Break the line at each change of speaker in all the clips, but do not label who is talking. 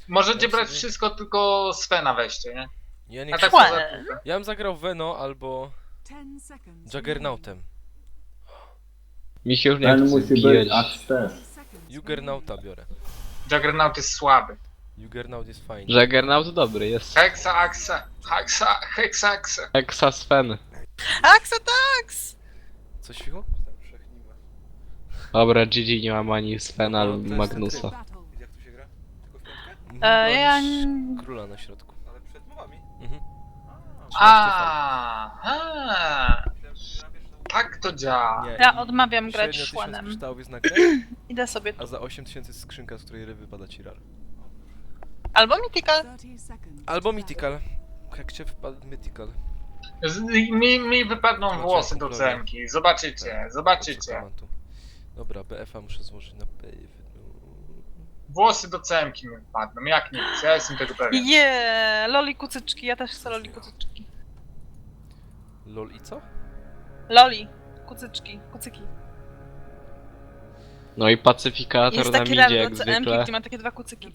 Możecie brać wszystko, tylko Svena weźcie, nie?
Ja nie
A tak
chcę.
poza tym.
Ja bym zagrał Veno albo Juggernautem.
Mi się już nie
Ten
chce
musi
bijać.
być aż też.
Juggernauta biorę.
Juggernaut jest słaby.
Juggernaut jest fajny.
Juggernaut dobry jest.
Hexa, Hexa.
Hexa Sven.
Axatax!
Coś fichu?
Dobra, GG nie mam ani Svena
No,
ani
to jest
Magnusa.
Jak tu się gra? Tylko w piątkę?
Ja
Króla na środku.
Ale przed mowami.
Mhm.
Aha, tak to działa.
Nie,
Ja
i
odmawiam grać
średnio 1000
szłanem.
kryształów jest na grę,
Idę sobie
a
tu.
za 8000 jest skrzynka, z której wypada ci rar.
Albo Mythical.
Albo Mythical. Jak cię wpadł Mythical.
Mi wypadną
Macie
włosy do
kumplowie.
cemki. Zobaczycie.
Mam tu. Dobra, BF-a muszę złożyć na B.
Włosy do cemki mi wypadną, jak nic, ja jestem tego pewien.
Loli kucyczki, ja też chcę loli kucyczki.
LOL i co?
Loli, kucyczki, kucyki.
No i pacyfikator
Jest
nam
taki
idzie
rar
jak
do CM-ki,
zwykle.
gdzie ma takie dwa kucyki.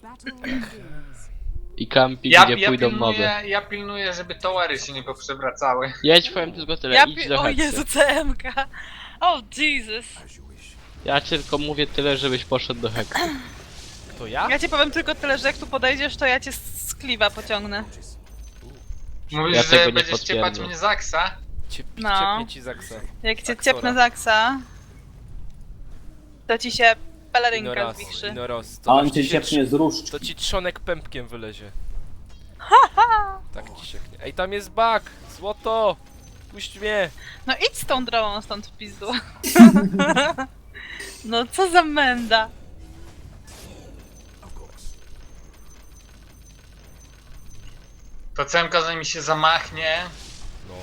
I campi,
Ja
gdzie pójdą moby.
pilnuję, żeby towery się nie poprzewracały.
Ja ci powiem tylko tyle, idź do
O
Hexy.
Jezu, CM-ka. O Jesus.
Ja ci tylko mówię tyle, żebyś poszedł do Hexy.
To ja?
Ja ci powiem tylko tyle, że jak tu podejdziesz, to ja cię z kliwa pociągnę.
Mówisz,
Ja tego
że
nie
będziesz ciepać
potwierdzę.
mnie z Aksa?
No.
Ciepnie ci Zaksa.
Jak cię
Aksora.
ciepnę z Aksa, to ci się pelerynka zwichrzy.
Inoros.
A on cię ciepnie z różdżki.
To ci trzonek pępkiem wylezie. Tak ci sieknie. Ej, tam jest bug! Złoto! Puść mnie!
No idź z tą drogą stąd w pizdu. No co za menda.
To cemka zanim się zamachnie.
No.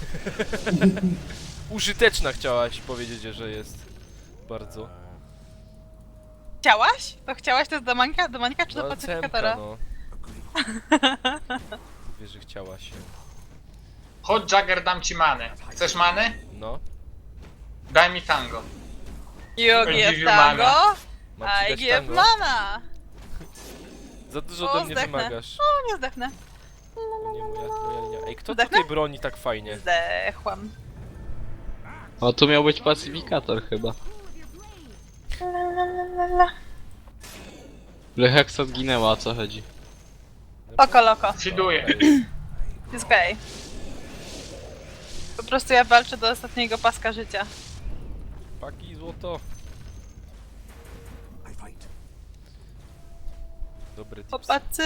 Użyteczna chciałaś powiedzieć, że jest. Bardzo.
Chciałaś? To chciałaś to jest do Mańka? Do Mańka czy do
No,
pacyfikatora?
cemka, no. Mówię, że chciała się.
Chodź Jagger, dam ci manę. Chcesz manę?
No.
Daj mi tango.
You
Give
give
you
tango,
Mam ci
I
dać
give
tango?
mana.
Za dużo
O,
ode mnie
zdechnę.
wymagasz.
O, nie zdechnę.
Nie moja linia. Ej, kto
Zdechnę?
tutaj broni tak fajnie?
Zdechłam.
O, tu miał być pacyfikator chyba. Że Hexa zginęła, o co chodzi?
Oko loko.
Fiduję.
Jest okej. Po prostu ja walczę do ostatniego paska życia.
Paki, złoto. Dobry tips.
Chłopacy!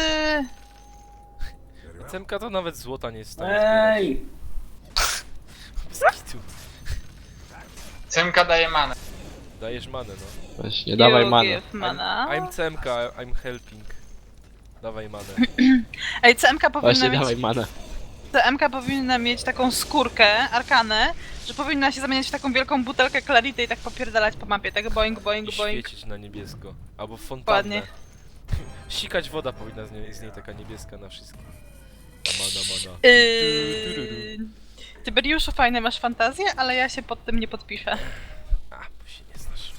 Cemka to nawet złota nie jest w stanie zbierać.
Ej!
Bez kitu.
Cemka daje manę.
Dajesz manę, no.
Właśnie, dawaj
You
manę.
give mana.
I'm CMK, I'm helping. Dawaj manę.
Ej, CMK powinna
Właśnie,
mieć...
dawaj manę.
CMK powinna mieć taką skórkę, arkanę, że powinna się zamieniać w taką wielką butelkę Clarity i tak popierdalać po mapie, tak boing,
I
boing, boing.
świecić na niebiesko. Albo w fontannę.
Dokładnie.
Sikać woda powinna z niej taka niebieska na wszystkim. Mana.
Tyberiuszu, fajne masz fantazję, ale ja się pod tym nie podpiszę.
A, bo się nie znasz.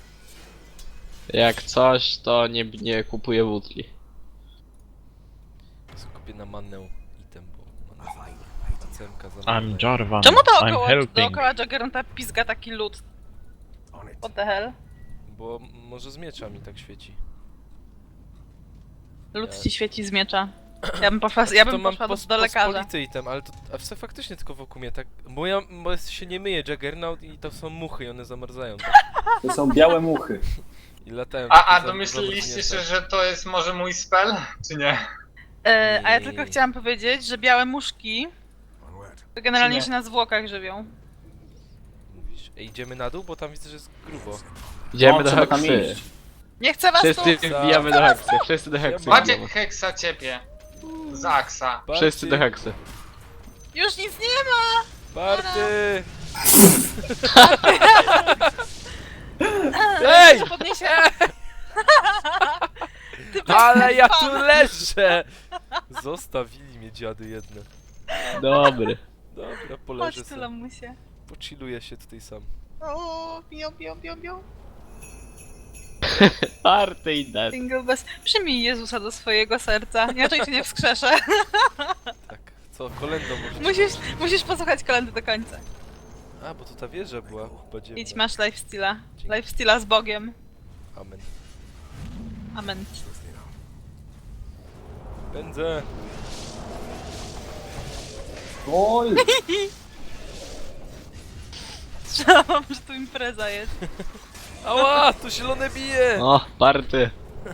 Jak coś, to nie kupuję butli.
Skupię na manę item, bo mana CMK za
I'm Jarvan.
Czemu
I'm
dookoła,
helping.
dookoła Juggernautta pizga taki lód? What the hell?
Bo może z miecza mi tak świeci.
Lód
Ja-
ci świeci z miecza. Ja bym poszła do lekarza.
pospolity item, ale to faktycznie tylko wokół mnie tak... Bo się nie myje Juggernaut i to są muchy i one zamarzają. Tak?
To są białe muchy.
I latają
A
takie
domyśliliście się,
zamrożnięte.
że to jest może mój spell? Czy nie?
A ja tylko chciałam powiedzieć, że białe muszki to generalnie
Nie.
się na zwłokach żywią.
Mówisz, ej, idziemy na dół, bo tam widzę, że jest grubo.
Idziemy
No,
do
trzeba tam
Hexy.
iść.
Nie chcę was tu!
Wszyscy wbijamy do Hexy, wszyscy do Hexy
Macie
wbijamy.
Hexa ciepie. Z Aksa.
Wszyscy do Hexy.
Już nic nie ma!
Party! Ej!
Podniesie...
Ale ja tu leżę! Zostawili mnie dziady jedne.
Dobry.
Dobra, poleżę
Chodź tu,
sobie.
lamusie.
Pochilluję się tutaj sam.
O, bią.
Party i dead.
Single bez... Przyjmij Jezusa do swojego serca, inaczej cię nie wskrzeszę.
Tak. Co, kolędą możecie...
Musisz posłuchać kolendy do końca.
A, bo to ta wieża była podziemna.
Idź, masz lifesteala. Lifesteala z Bogiem.
Amen.
Amen.
Pędzę.
Oj!
Strzelam, że tu impreza jest.
Ała, tu zielone bije!
O, party.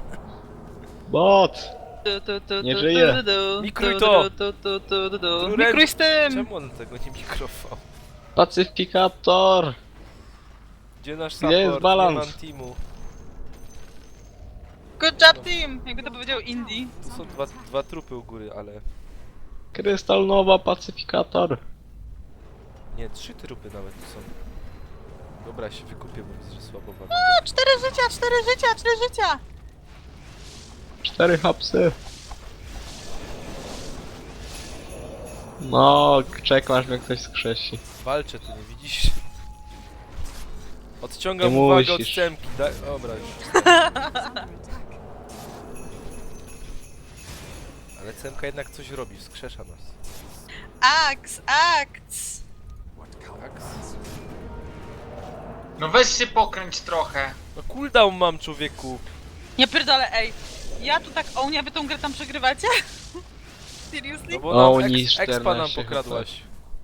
Bot! Nie żyje.
Mikruj to!
Mikruj z tym!
Czemu on tego nie mikrował?
Pacyfikator!
Gdzie nasz
Gdzie
support?
jest balans?
Nie mam teamu.
Good job team! Jakby to powiedział Indie.
Tu są dwa trupy u góry, ale...
Krystal Nowa, pacyfikator.
Nie, 3 trupy nawet tu są. Dobra, się wykupię, bo widzę, że słabo wam.
O, 4 życia, 4 życia, 4 życia!
4 hapsy. No, czekam aż mnie ktoś skrzesi.
Walczę, tu nie widzisz? Odciągam
Nie
uwagę od
musisz.
Cemki. Dobra, już. Ale Cemka jednak coś robi, wskrzesza nas.
Aks, aks!
Tak?
No weź się pokręć trochę.
No cooldown mam, człowieku.
Nie pierdolę, ej. Ja tu tak ołnia, wy tą grę tam przegrywacie? Seriously?
No bo
O,
nam
niż
expa nam
14
pokradłaś.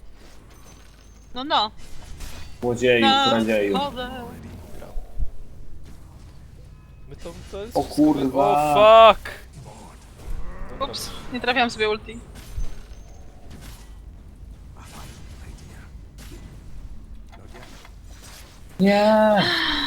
No.
Złodzieju, kradzieju.
Wodę.
My to jest...
O kurwa.
O fuck! Dobra,
Ups, nie trafiłam sobie ulti.
Nie!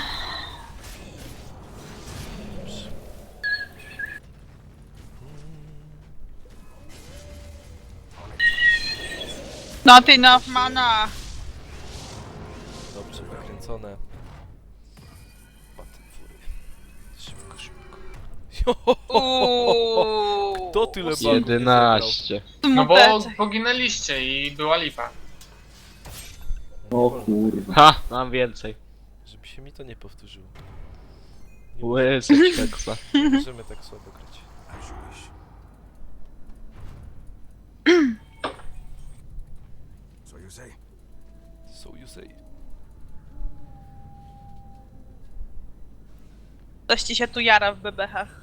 Not enough mana.
Dobrze, wykręcone. Batem fury. Szybko, szybko.
Uuuu.
Kto tyle bagów nie zebrał?
11.
No bo
Smuteczek.
poginęliście i była lipa.
O kurwa.
Ha, mam więcej.
Żeby się mi to nie powtórzyło.
Łysy keksa.
Nie możemy tak słabo grać. So you say.
Coś ci się tu jara w bebechach.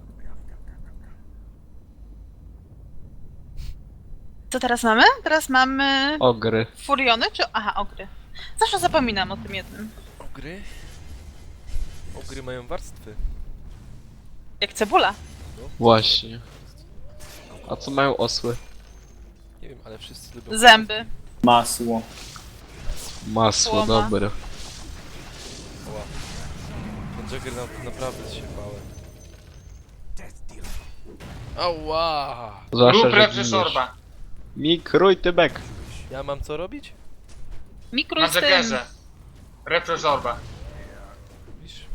Co teraz mamy? Teraz mamy...
Ogry.
Furiony czy... Aha, ogry. Zawsze zapominam o tym jednym.
Ogry? Ogry mają warstwy.
Jak cebula.
Właśnie. A co mają osły?
Nie wiem, ale wszyscy lubią...
Zęby.
Masło.
Masło,
Słoma.
dobre.
Ła. Ten Jagger naprawdę się bałem. Ała!
Zwłaszcza,
Rób
że
lepszy
giniesz.
szorba.
Mikruj tybek.
Ja mam co robić?
Mikruj
Na
z tym.
Jaggerze. Lepszy szorba.
Widzisz?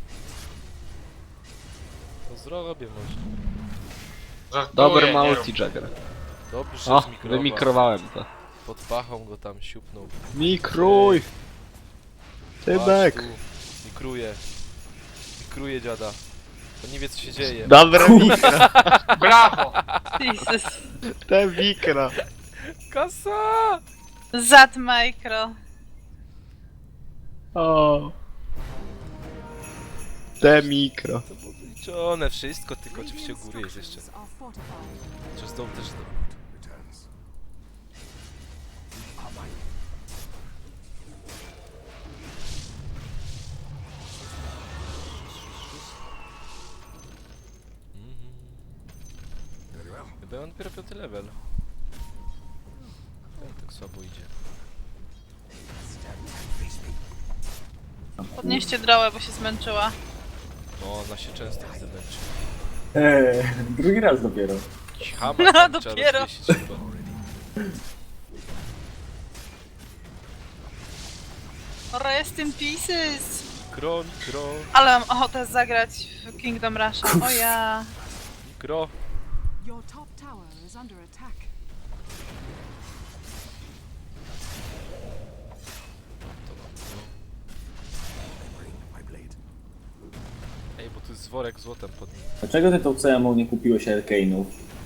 To zrobię może.
Żartuję,
Dobry
nie rób.
multi-jagger.
Dobrze,
O,
zmikrował.
wymikrowałem to.
Pod pachą go tam siupnął.
Mikruj! Tybek!
Patrz tu. Mikruję. Mikruję dziada. To nie wie co się dzieje.
Dobre mikro.
Brawo!
Jesus.
Te mikro.
Kasa!
Zat micro.
O. Te mikro.
To było wyliczone wszystko, tylko oczywiście u góry jest jeszcze. Przez dół też to. Chyba on dopiero 5 level. Tak słabo idzie.
Podnieście drołę, bo się zmęczyła.
No, ona się często zemęczy.
Drugi raz dopiero.
Hama
No,
tam trzeba
dopiero.
rozwiesić chyba.
Rest in pieces.
Mikro, mikro,
Ale mam ochotę zagrać w Kingdom Rush. O ja.
mikro.
Your top tower is under attack.
Ej, Tu jest worek złotem pod nim.
Dlaczego ty tą CMO nie kupiłeś Arcane'ów?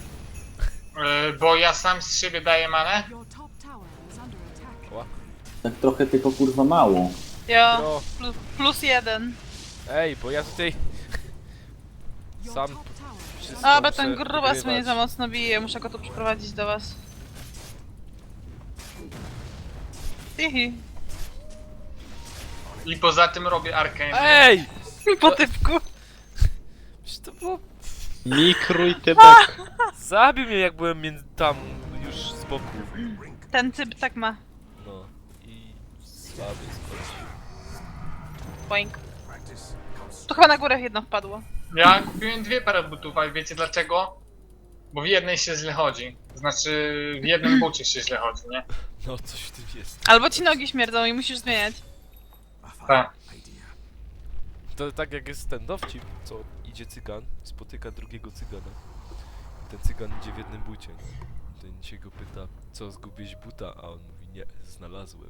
Bo ja sam z siebie daję manę.
Your top tower is under attack.
Ła.
Tak trochę tylko kurwa mało.
Ja,
No.
+1.
Ej, bo ja tutaj
Your
sam
top tower is
wszystko
A, bo
muszę
ten grubas mnie
wygrywać.
za mocno bije, muszę go tu przyprowadzić do was. Hihi.
I poza tym robię Arcane.
Ej!
Po typku.
Przecież to było...
Mikruj tybek.
Zabił mnie jak byłem tam już z boku.
Ten typ tak ma.
No. I słaby skończył.
Boink. Tu chyba na górę jedno wpadło.
Ja kupiłem 2 pary butów, a wiecie dlaczego? Bo w jednej się źle chodzi. Znaczy w jednym bucie się źle chodzi, nie?
No, coś w tym jest.
Albo ci nogi śmierdzą i musisz zmieniać.
Tak.
To tak jak jest ten dowcip, co idzie cygan, spotyka drugiego cygana. I ten cygan idzie w jednym bucie. Ten się go pyta, co zgubiłeś buta, a on mówi, nie, znalazłem.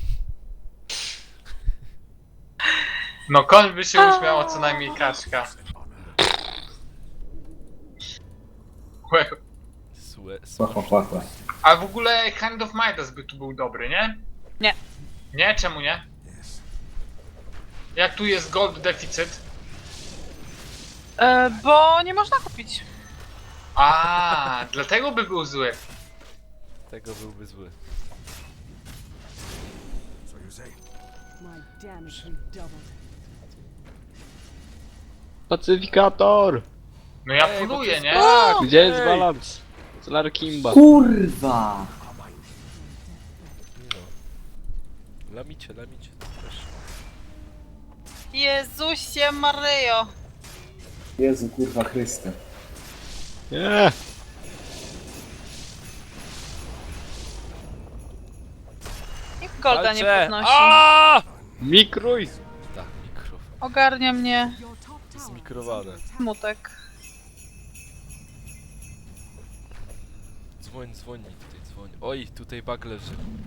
No koń by się uśmiał, a co najmniej kaczka. Łe.
Chła.
A w ogóle Hand of Midas by tu był dobry, nie?
Nie.
Nie? Czemu nie? Jak tu jest gold deficyt?
Bo nie można kupić.
A, dlatego by był zły.
Tego byłby zły.
My damage redoubled.
Pacyfikator!
No ja
Ej, bo
furuję,
to
nie?
Tak,
Gdzie jest
ej!
balans? Larkimba.
Kurwa!
No. Lamicie, to też.
Jezusie Maryjo.
Jezu kurwa Chryste.
Nie!
Nikt golda nie
Walczę!
podnosi.
Aaaa!
Mikruj!
Tak, mikrofon.
Ogarnia mnie
Your top tower is
Zmikrowane.
under attack.
smutek.
Dzwoń, tutaj dzwoń. Oj, tutaj bug leży.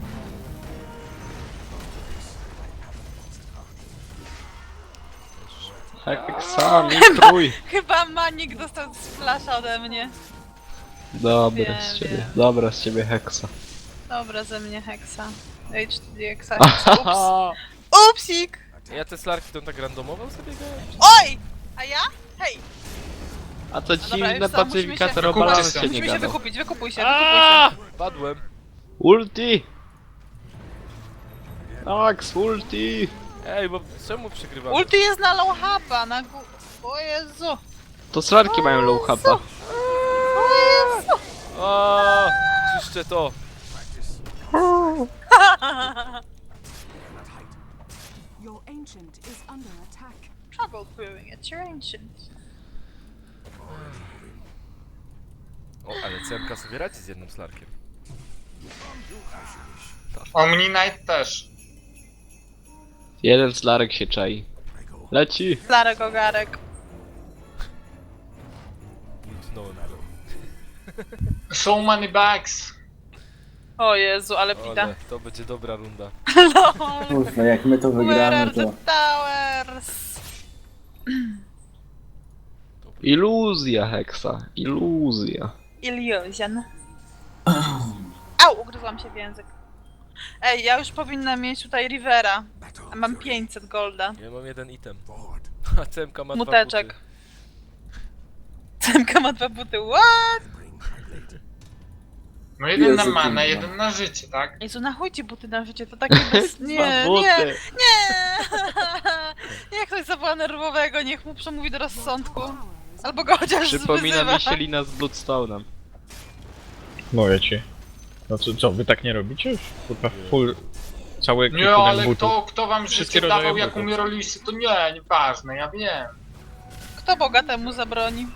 Heksa, mikruj!
Chyba Manik dostał splasha ode mnie.
Dobra
Wiem,
z ciebie,
wiem.
dobra z ciebie heksa.
Dobra ze mnie heksa. H4 Ups. Upsik!
Ja te slarki to tak randomowo sobie grałem?
Oj! A ja? Hej!
A to
dobra,
dziwne
już co,
pacyfikator
musimy się-
o balansie
Kupcie
nie
Musimy się
gadał.
wykupić, wykupuj się.
Aaaa! Padłem.
Ulti! Max, ulti!
Ej, bo czemu przegrywamy?
Ulti jest na low hapa, na gó... O Jezu!
To slarki mają low hapa.
O Jezu!
O, czyszczę to.
Your ancient is under attack.
Trouble brewing at your ancient.
O, ale CMK sobie radzi z jednym slarkiem.
Omni-Knight też.
Jeden slarek się czai. Leci!
Larek ogarek.
Ultnąłem go.
So many bags.
O Jezu, ale pita.
Ale to będzie dobra runda.
LOL.
Kurwa, jak my to
Where
wygramy
are
to...
the towers?
Iluzja heksa, iluzja.
Illusion. Au, ugryzłam się w język. Ej, ja już powinnam mieć tutaj Rivera. A mam 500 golda.
Ja mam jeden item. A CMK ma
Muteczek.
2 buty.
Cemka ma 2 buty, what?
No jeden na
Jezu,
manę,
kurwa.
jeden na życie, tak?
Jezu, na chuj ci buty na życie, to takie bez... Nie,
Dwa
nie,
buty.
nie! Niech ktoś zawoła nerwowego, niech mu przemówi do rozsądku. Albo go chociaż
Przypomina
wyzywa.
mi się lina z Bloodstone'em.
Mówię ci. No co, wy tak nie robicie już? Kurwa, full... Cały
Nie,
ekwipunek
ale
butów.
kto wam
Wszystkie
życie dawał
rodzaje
jak
butów.
umieraliście, to nie, nieważne, ja wiem.
Kto bogatemu zabroni?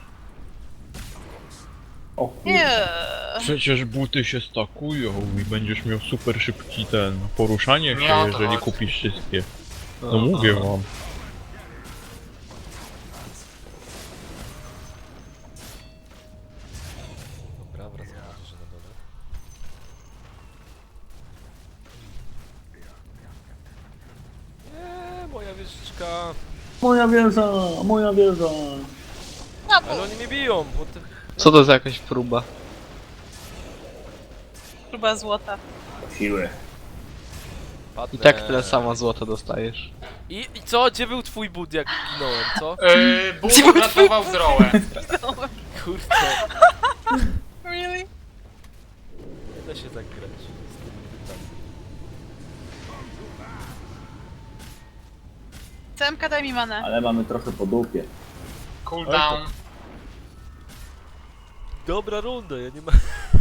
O kurwa.
Nie.
Przecież buty się stakują i będziesz miał super szybki poruszanie
Nie
się,
o to
jeżeli
chodzi.
kupisz wszystkie. No mówię wam.
Dobra, wracam na górze na dole. Nie, moja wieżyczka.
Moja wieża, moja wieża.
No, bo
Ale oni mnie biją, bo to...
Co to za jakaś próba?
próba złota.
Siły.
I tak tyle samo złota dostajesz.
I co? Gdzie był twój bud, jak ginąłem, co?
Bóg uratował drołę.
Kurczę,
Really?
nie da się tak grać z tymi butami.
CMK daj mi manę.
Ale mamy trochę po dupie.
Cooldown.
Dobra runda, ja nie mam...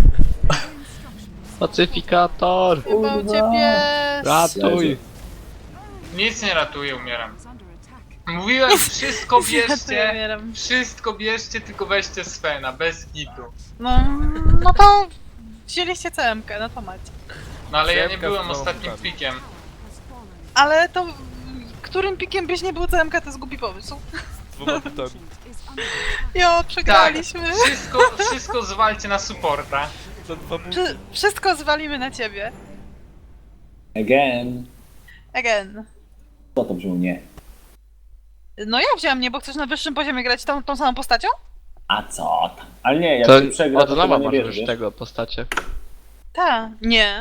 Pacyfikator!
Chyba u ciebie.
Ratuj!
Nic nie ratuje, umieram.
Is under attack.
Mówiłem, wszystko
Ja
bierzcie.
umieram.
Wszystko bierzcie, tylko weźcie Svena, bez gitu.
No to wzięliście CMK, no to macie.
No ale ja nie
Zemka
byłem
z tą
ostatnim
butami.
pikiem.
Has fallen.
Ale to którym pikiem byś nie był CMK, to jest głupi pomysł.
Z dwoma butami.
Ancient is under attack.
Jo, przegraliśmy.
Wszystko zwalcie na supporta.
Za 2 buty.
Wszystko zwalimy na ciebie.
Again.
Again.
Co to brzmi nie?
No ja wziąłem nie, bo chcesz na wyższym poziomie grać tą samą postacią?
A co tam? Ale nie, jak
To
się przegra,
od
to
nowa
chyba nie
masz
wiesz,
już
wiesz?
tego postacie.
Tak. Nie.